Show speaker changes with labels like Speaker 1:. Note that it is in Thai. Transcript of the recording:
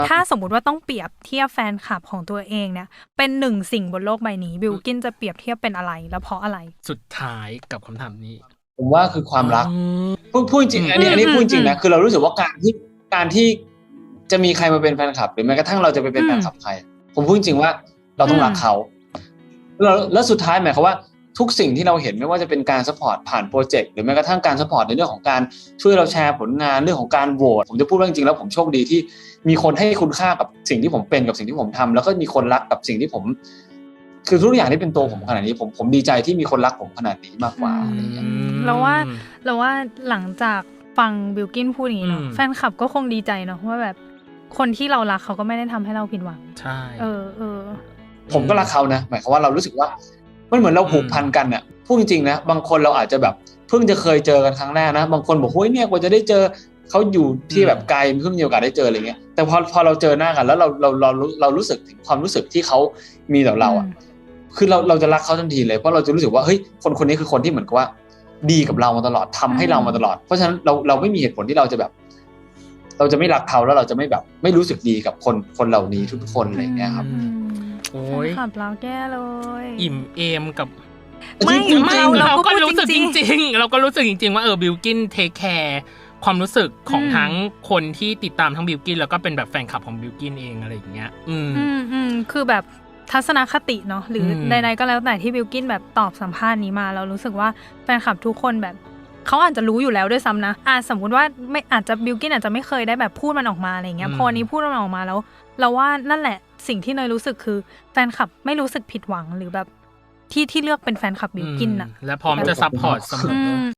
Speaker 1: ถ้าสมมุติว่าต้องเปรียบเทียบแฟนคลับของตัวเองเนี่ยเป็นหนึ่งสิ่งบนโลกใบนี้บิลกินจะเปรียบเทียบเป็นอะไรแล้วเพราะอะไร
Speaker 2: สุดท้ายกับคำถามนี้
Speaker 3: ผมว่าคือความรักพูดจริงอันนี้พูดจริงนะคือเรารู้สึกว่าการที่จะมีใครมาเป็นแฟนคลับหรือแม้กระทั่งเราจะไปเป็นแฟนคลับใครผมพูดจริงว่าเราต้องรักเขาแล้วสุดท้ายหมายความว่าทุกสิ่งที่เราเห็นไม่ว่าจะเป็นการซัพพอร์ตผ่านโปรเจกต์หรือแม้กระทั่งการซัพพอร์ตในเรื่องของการช่วยเราแชร์ผลงานเรื่องของการโหวตผมจะพูดว่าจริงๆแล้วผมโชคดีที่มีคนให้คุณค่ากับสิ่งที่ผมเป็นกับสิ่งที่ผมทำแล้วก็มีคนรักกับสิ่งที่ผมคือทุกอย่างที่เป็นตัวผมขนาดนี้ผมดีใจที่มีคนรักผมขนาดนี้มากกว่าอะไรอย่างเงี้ย
Speaker 1: เราว่าหลังจากฟังบิลกินพูดอย่างนี้เนาะแฟนคลับก็คงดีใจเนาะว่าแบบคนที่เรารักเขาก็ไม่ได้ทำให้เราผิดหวัง
Speaker 2: ใช่
Speaker 3: ผมก็รักเขานะหมายความว่าเรารู้สึกว่ามันเหมือนเราผูกพันกันเนี่ยพูดจริงๆนะบางคนเราอาจจะแบบเพิ่งจะเคยเจอกันครั้งแรกนะบางคนบอกเฮ้ยเนี่ยกว่าจะได้เจอเขาอยู่ที่แบบไกลเพิ่งมีโอกาสได้เจออะไรเงี้ยแต่พอเราเจอหน้ากันแล้วเรารู้สึกถึงความรู้สึกที่เขามีต่อเราอ่ะคือเราจะรักเขาทันทีเลยเพราะเราจะรู้สึกว่าเฮ้ยคนนี้คือคนที่เหมือนกับว่าดีกับเรามาตลอดทำให้เรามาตลอดเพราะฉะนั้นเราไม่มีเหตุผลที่เราจะแบบเราจะไม่รักเขาแล้วเราจะไม่แบบไม่รู้สึกดีกับคนเหล่านี้ทุกคนอะไรเงี้ยครับ
Speaker 2: โอ้ย
Speaker 1: ขับเราแก้เลย
Speaker 2: อิ่มเอมกับ
Speaker 1: ไม่
Speaker 2: เราก็รู้สึกจริงๆเราก็รู้สึกจริงๆว่าบิลกินเทคแคร์ความรู้สึกของทั้งคนที่ติดตามทั้งบิลกินแล้วก็เป็นแบบแฟนคลับของบิลกินเองอะไรอย่างเงี้ย
Speaker 1: คือแบบทัศนคติเนาะหรือใดๆก็แล้วแต่ที่บิลกินแบบตอบสัมภาษณ์นี้มาเรารู้สึกว่าแฟนคลับทุกคนแบบเขาอาจจะรู้อยู่แล้วด้วยซ้ำนะสมมุติว่าไม่อาจจะบิลกินอาจจะไม่เคยได้แบบพูดมันออกมาอะไรเงี้ยพอนี้พูดมันออกมาแล้วเราว่านั่นแหละสิ่งที่เนยรู้สึกคือแฟนคลับไม่รู้สึกผิดหวังหรือแบบที่เลือกเป็นแฟนคลับบิลกินน่ะ
Speaker 2: และพร้อมจะซัพพอร์ตเสมอ